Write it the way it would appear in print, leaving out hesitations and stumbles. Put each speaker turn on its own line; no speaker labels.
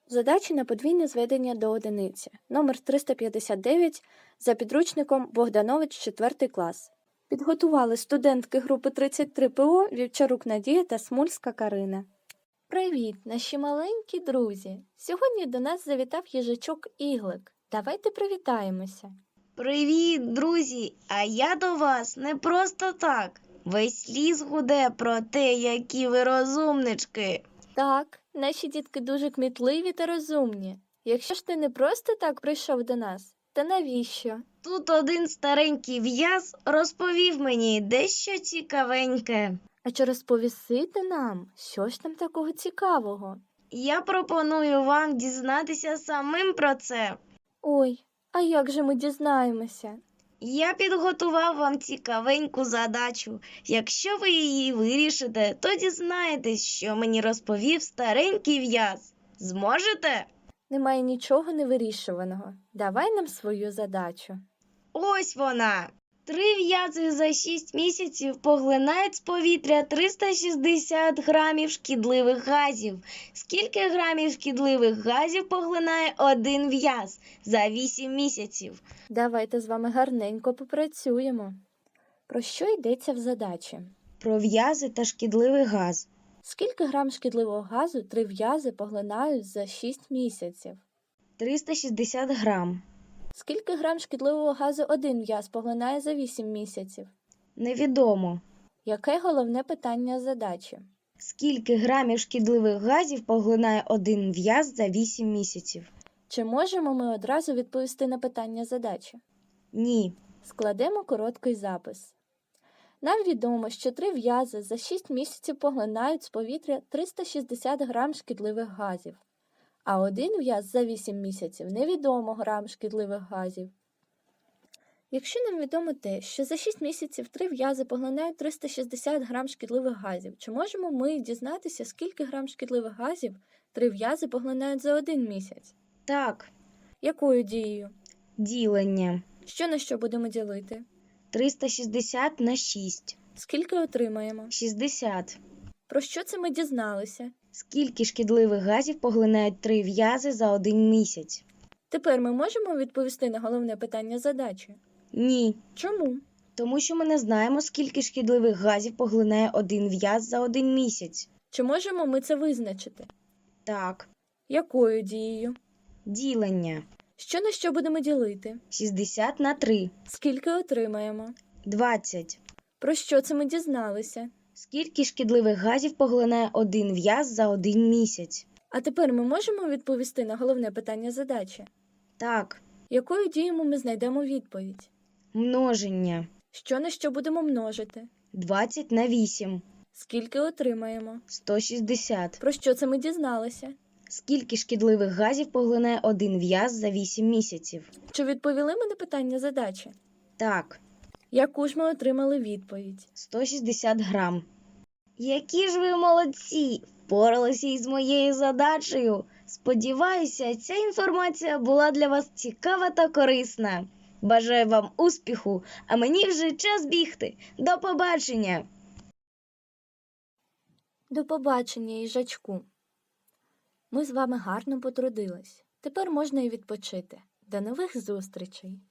Задачі на подвійне зведення до одиниці. Номер 359 за підручником Богданович 4 клас. Підготували студентки групи 33 ПО Вівчарук Надія та Смульська Карина. Привіт, наші маленькі друзі! Сьогодні до нас завітав їжачок Іглик. Давайте привітаємося.
Привіт, друзі! А я до вас не просто так. Весь ліс гуде про те, які ви розумнички.
Так, наші дітки дуже кмітливі та розумні. Якщо ж ти не просто так прийшов до нас, то навіщо?
Тут один старенький в'яз розповів мені дещо цікавеньке.
А чи розповісти нам, що ж там такого цікавого?
Я пропоную вам дізнатися самим про це.
Ой, а як же ми дізнаємося?
Я підготував вам цікавеньку задачу. Якщо ви її вирішите, то дізнаєтесь, що мені розповів старенький в'яз. Зможете?
Немає нічого невирішуваного. Давай нам свою задачу.
Ось вона. 3 в'язи за 6 місяців поглинають з повітря 360 грамів шкідливих газів. Скільки грамів шкідливих газів поглинає один в'яз за 8 місяців?
Давайте з вами гарненько попрацюємо. Про що йдеться в задачі?
Про в'язи та шкідливий газ.
Скільки грам шкідливого газу 3 в'язи поглинають за 6 місяців?
360 грам.
Скільки грам шкідливого газу один в'яз поглинає за 8 місяців?
Невідомо.
Яке головне питання задачі?
Скільки грамів шкідливих газів поглинає один в'яз за 8 місяців?
Чи можемо ми одразу відповісти на питання задачі?
Ні.
Складемо короткий запис. Нам відомо, що 3 в'язи за 6 місяців поглинають з повітря 360 грам шкідливих газів, а один в'яз за 8 місяців невідомо грам шкідливих газів. Якщо нам відомо те, що за 6 місяців 3 в'язи поглинають 360 грам шкідливих газів, чи можемо ми дізнатися, скільки грам шкідливих газів 3 в'язи поглинають за один місяць?
Так.
Якою дією?
Ділення.
Що на що будемо ділити?
360 на 6.
Скільки отримаємо?
60.
Про що це ми дізналися?
Скільки шкідливих газів поглинають 3 в'язи за один місяць?
Тепер ми можемо відповісти на головне питання задачі?
Ні.
Чому?
Тому що ми не знаємо, скільки шкідливих газів поглинає один в'яз за один місяць.
Чи можемо ми це визначити?
Так.
Якою дією?
Ділення.
Що на що будемо ділити?
60 на 3.
Скільки отримаємо?
20.
Про що це ми дізналися?
Скільки шкідливих газів поглинає один в'яз за один місяць?
А тепер ми можемо відповісти на головне питання задачі?
Так.
Якою дією ми знайдемо відповідь?
Множення.
Що на що будемо множити?
20 на 8.
Скільки отримаємо?
160.
Про що це ми дізналися?
Скільки шкідливих газів поглинає один в'яз за 8 місяців?
Чи відповіли ми на питання задачі?
Так.
Яку ж ми отримали відповідь?
160 грам. Які ж ви молодці! Впоралися із моєю задачею. Сподіваюся, ця інформація була для вас цікава та корисна. Бажаю вам успіху, а мені вже час бігти. До побачення!
До побачення, їжачку. Ми з вами гарно потрудились. Тепер можна і відпочити. До нових зустрічей!